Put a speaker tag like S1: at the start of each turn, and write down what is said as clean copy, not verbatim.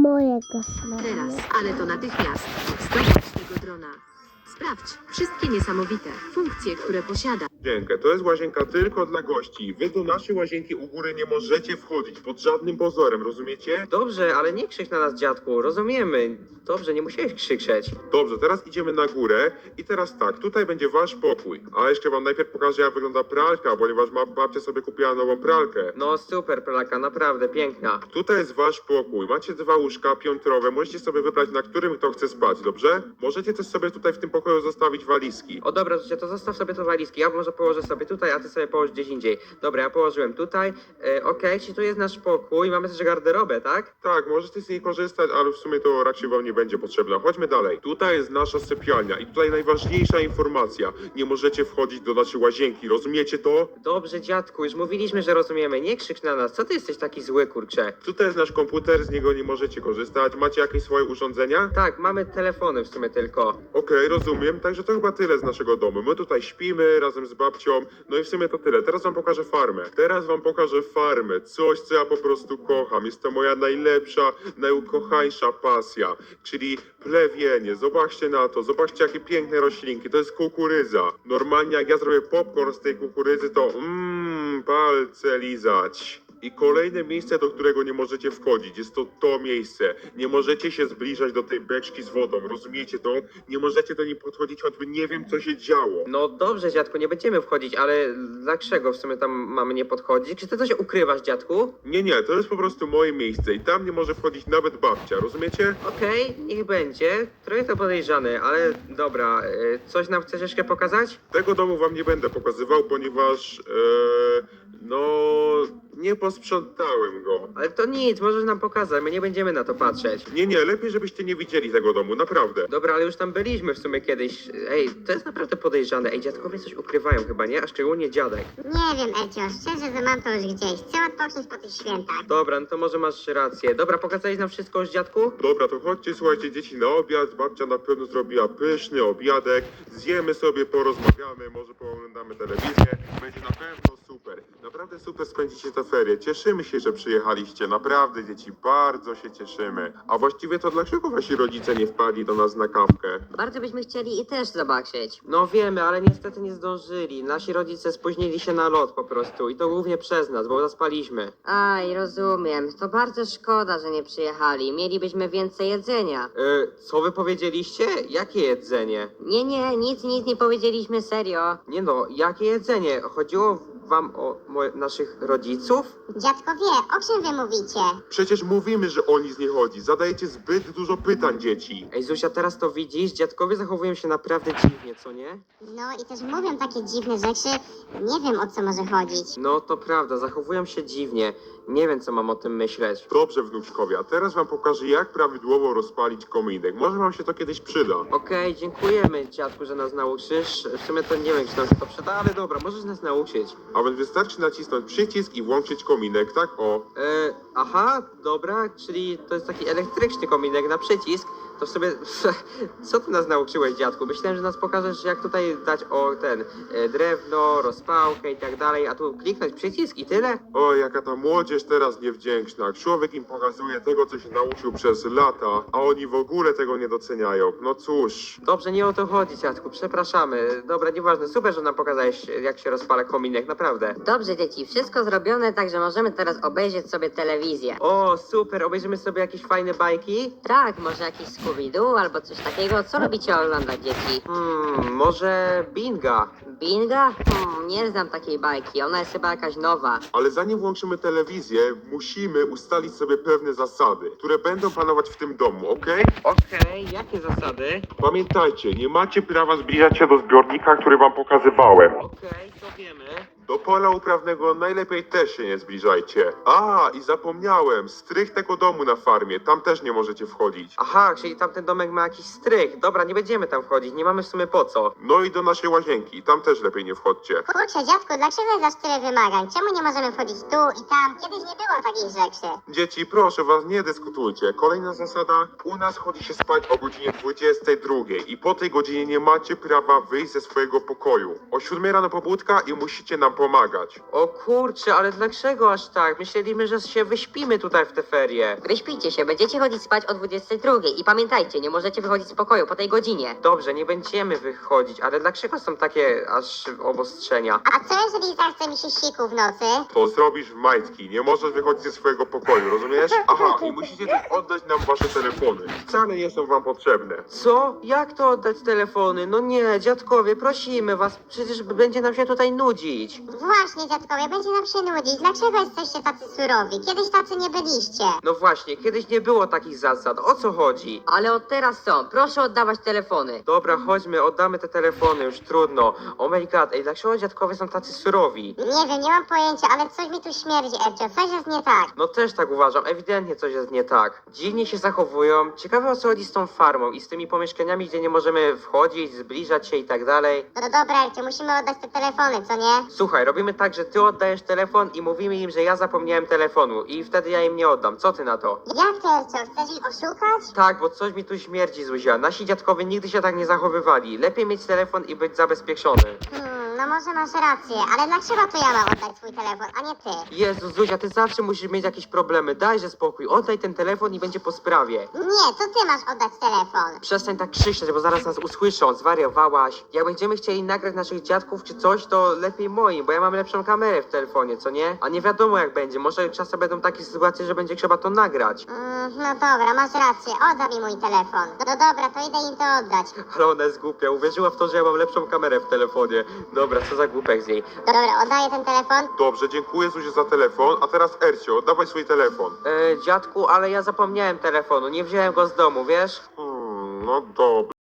S1: mojego
S2: Teraz,
S1: smaku.
S2: ale to natychmiast. Zdobądź tego drona. Sprawdź wszystkie niesamowite funkcje, które posiada.
S3: Łazienkę. To jest łazienka tylko dla gości. Wy do naszej łazienki u góry nie możecie wchodzić pod żadnym pozorem, rozumiecie?
S4: Dobrze, ale nie krzycz na nas, dziadku, rozumiemy. Dobrze, nie musiałeś krzyczeć.
S3: Dobrze, teraz idziemy na górę i teraz tak, tutaj będzie wasz pokój. A jeszcze wam najpierw pokażę, jak wygląda pralka, ponieważ babcia sobie kupiła nową pralkę.
S4: No super, pralka, naprawdę piękna.
S3: Tutaj jest wasz pokój. Macie 2 łóżka piętrowe. Możecie sobie wybrać, na którym kto chce spać, dobrze? Możecie też sobie tutaj w tym pokoju zostawić walizki.
S4: O dobra, Zucia, to zostaw sobie te walizki. Ja może położę sobie tutaj, a ty sobie położ gdzieś indziej. Dobra, ja położyłem tutaj. Okej, czyli tu jest nasz pokój. Mamy też garderobę, tak?
S3: Tak, możecie z niej korzystać, ale w sumie to raczej wam nie będzie potrzebna. Chodźmy dalej. Tutaj jest nasza sypialnia i tutaj najważniejsza informacja. Nie możecie wchodzić do naszej łazienki, rozumiecie to?
S4: Dobrze, dziadku, już mówiliśmy, że rozumiemy. Nie krzycz na nas. Co ty jesteś taki zły, kurczę?
S3: Tutaj jest nasz komputer, z niego nie możecie korzystać. Macie jakieś swoje urządzenia?
S4: Tak, mamy telefony w sumie tylko.
S3: Okej, rozumiem. Także to chyba tyle z naszego domu. My tutaj śpimy razem z babcią. No i w sumie to tyle. Teraz wam pokażę farmę. Teraz wam pokażę farmę. Coś, co ja po prostu kocham. Jest to moja najlepsza, najukochańsza pasja. Czyli plewienie. Zobaczcie na to. Zobaczcie, jakie piękne roślinki. To jest kukurydza. Normalnie jak ja zrobię popcorn z tej kukurydzy, to palce lizać. I kolejne miejsce, do którego nie możecie wchodzić, jest to miejsce. Nie możecie się zbliżać do tej beczki z wodą, rozumiecie to? Nie możecie do niej podchodzić, choćby nie wiem, co się działo.
S4: No dobrze, dziadku, nie będziemy wchodzić, ale dlaczego w sumie tam mamy nie podchodzić? Czy ty coś ukrywasz, dziadku?
S3: Nie, to jest po prostu moje miejsce i tam nie może wchodzić nawet babcia, rozumiecie?
S4: Okej, niech będzie. Trochę to podejrzane, ale dobra. Coś nam chcesz jeszcze pokazać?
S3: Tego domu wam nie będę pokazywał, ponieważ, nie posprzątałem go.
S4: Ale to nic, możesz nam pokazać, my nie będziemy na to patrzeć.
S3: Nie, lepiej żebyście nie widzieli tego domu, naprawdę.
S4: Dobra, ale już tam byliśmy w sumie kiedyś. Ej, to jest naprawdę podejrzane. Ej, dziadkowie coś ukrywają chyba, nie? A szczególnie dziadek.
S1: Nie wiem, Elcio, szczerze, że mam to już gdzieś. Chcę odpocząć po tych świętach.
S4: Dobra, no to może masz rację. Dobra, pokazałeś nam wszystko już, dziadku?
S3: Dobra, to chodźcie, słuchajcie, dzieci, na obiad. Babcia na pewno zrobiła pyszny obiadek. Zjemy sobie, porozmawiamy, może pooglądamy telewizję. Będzie na pewno super. Naprawdę super spędzicie te ferie. Cieszymy się, że przyjechaliście. Naprawdę, dzieci, bardzo się cieszymy. A właściwie to dlaczego wasi rodzice nie wpadli do nas na kawkę?
S2: Bardzo byśmy chcieli i też zobaczyć.
S4: No wiemy, ale niestety nie zdążyli. Nasi rodzice spóźnili się na lot po prostu i to głównie przez nas, bo zaspaliśmy.
S2: Aj, rozumiem. To bardzo szkoda, że nie przyjechali. Mielibyśmy więcej jedzenia.
S4: Co wy powiedzieliście? Jakie jedzenie?
S2: Nie, nic nie powiedzieliśmy serio.
S4: Nie no, jakie jedzenie? Chodziło wam o naszych rodziców?
S1: Dziadko wie, o czym wy mówicie?
S3: Przecież mówimy, że o nic nie chodzi. Zadajecie zbyt dużo pytań, dzieci.
S4: Ej, Zuzia, teraz to widzisz? Dziadkowie zachowują się naprawdę dziwnie, co nie?
S1: No i też mówią takie dziwne rzeczy. Nie wiem, o co może chodzić.
S4: No to prawda, zachowują się dziwnie. Nie wiem, co mam o tym myśleć.
S3: Dobrze, wnuczkowie, a teraz wam pokażę, jak prawidłowo rozpalić kominek. Może wam się to kiedyś przyda.
S4: Okej, dziękujemy, dziadku, że nas nauczysz. W sumie to nie wiem, czy nam się to przyda, ale dobra, możesz nas nauczyć.
S3: A więc wystarczy nacisnąć przycisk i włączyć kominek, tak o.
S4: Aha, dobra, czyli to jest taki elektryczny kominek na przycisk. To w sobie, co ty nas nauczyłeś, dziadku? Myślałem, że nas pokażesz, jak tutaj dać drewno, rozpałkę i tak dalej, a tu kliknąć przycisk i tyle?
S3: O, jaka ta młodzież teraz niewdzięczna. Człowiek im pokazuje tego, co się nauczył przez lata, a oni w ogóle tego nie doceniają. No cóż.
S4: Dobrze, nie o to chodzi, dziadku, przepraszamy. Dobra, nieważne, super, że nam pokazałeś, jak się rozpala kominek, naprawdę.
S2: Dobrze, dzieci, wszystko zrobione, także możemy teraz obejrzeć sobie telewizję.
S4: O, super, obejrzymy sobie jakieś fajne bajki?
S2: Tak, może jakiś Scooby-Doo albo coś takiego. Co lubicie oglądać, dzieci?
S4: Może Binga?
S2: Binga? Nie znam takiej bajki, ona jest chyba jakaś nowa.
S3: Ale zanim włączymy telewizję, musimy ustalić sobie pewne zasady, które będą panować w tym domu, okej?
S4: Okej, jakie zasady?
S3: Pamiętajcie, nie macie prawa zbliżać się do zbiornika, który wam pokazywałem.
S4: Okej, to wiemy.
S3: Do pola uprawnego najlepiej też się nie zbliżajcie. A, i zapomniałem, strych tego domu na farmie, tam też nie możecie wchodzić.
S4: Aha, czyli tamten domek ma jakiś strych. Dobra, nie będziemy tam wchodzić, nie mamy w sumie po co.
S3: No i do naszej łazienki, tam też lepiej nie wchodźcie.
S1: Kurczę, dziadku, dlaczego jest aż tyle wymagań? Czemu nie możemy wchodzić tu i tam? Kiedyś nie było takich rzeczy.
S3: Dzieci, proszę was, nie dyskutujcie. Kolejna zasada, u nas chodzi się spać o godzinie 22 i po tej godzinie nie macie prawa wyjść ze swojego pokoju. O 7 rano pobudka i musicie nam pomagać.
S4: O kurczę, ale dlaczego aż tak? Myśleliśmy, że się wyśpimy tutaj w te ferie.
S5: Wyśpijcie się, będziecie chodzić spać o 22 i pamiętajcie, nie możecie wychodzić z pokoju po tej godzinie.
S4: Dobrze, nie będziemy wychodzić, ale dlaczego są takie aż obostrzenia?
S1: A co jeżeli zachce mi się siku w nocy?
S3: To zrobisz w majtki, nie możesz wychodzić ze swojego pokoju, rozumiesz? Aha, i musicie też oddać nam wasze telefony. Wcale nie są wam potrzebne.
S4: Co? Jak to oddać telefony? No nie, dziadkowie, prosimy was, przecież będzie nam się tutaj nudzić.
S1: Właśnie, dziadkowie, będzie nam się nudzić. Dlaczego jesteście tacy surowi? Kiedyś tacy nie byliście.
S4: No właśnie, kiedyś nie było takich zasad, o co chodzi?
S5: Ale od teraz są, proszę oddawać telefony.
S4: Dobra, chodźmy, oddamy te telefony, już trudno. Oh my god, ej, dlaczego dziadkowie są tacy surowi?
S1: Nie wiem, nie mam pojęcia, ale coś mi tu śmierdzi, Ercio. Coś jest nie tak.
S4: No też tak uważam, ewidentnie coś jest nie tak. Dziwnie się zachowują, ciekawe o co chodzi z tą farmą i z tymi pomieszkaniami, gdzie nie możemy wchodzić, zbliżać się i tak dalej.
S1: No dobra, Ercio, musimy oddać te telefony, co nie?
S4: Słuchaj, robimy tak, że ty oddajesz telefon i mówimy im, że ja zapomniałem telefonu i wtedy ja im nie oddam. Co ty na to?
S1: Jak to, Ercio? Chcesz ich oszukać?
S4: Tak, bo coś mi tu śmierdzi, Zuzia. Nasi dziadkowie nigdy się tak nie zachowywali. Lepiej mieć telefon i być zabezpieczony.
S1: No może masz rację, ale dlaczego to ja mam oddać swój telefon, a nie ty?
S4: Jezu, Zuzia, ty zawsze musisz mieć jakieś problemy. Dajże spokój, oddaj ten telefon i będzie po sprawie.
S1: Nie, to ty masz oddać telefon.
S4: Przestań tak krzyczeć, bo zaraz nas usłyszą, zwariowałaś. Jak będziemy chcieli nagrać naszych dziadków czy coś, to lepiej moim, bo ja mam lepszą kamerę w telefonie, co nie? A nie wiadomo jak będzie, może czasem będą takie sytuacje, że będzie trzeba to nagrać.
S1: No dobra, masz rację, oddaj mi mój telefon. No dobra, to idę im to oddać.
S4: Ale ona jest głupia, uwierzyła w to, że ja mam lepszą kamerę w telefonie. Dobra, co za głupek z niej.
S1: Dobra, oddaję ten telefon.
S3: Dobrze, dziękuję Zuzie za telefon, a teraz Ercio, dawaj swój telefon.
S4: Dziadku, ale ja zapomniałem telefonu, nie wziąłem go z domu, wiesz?
S3: No dobra.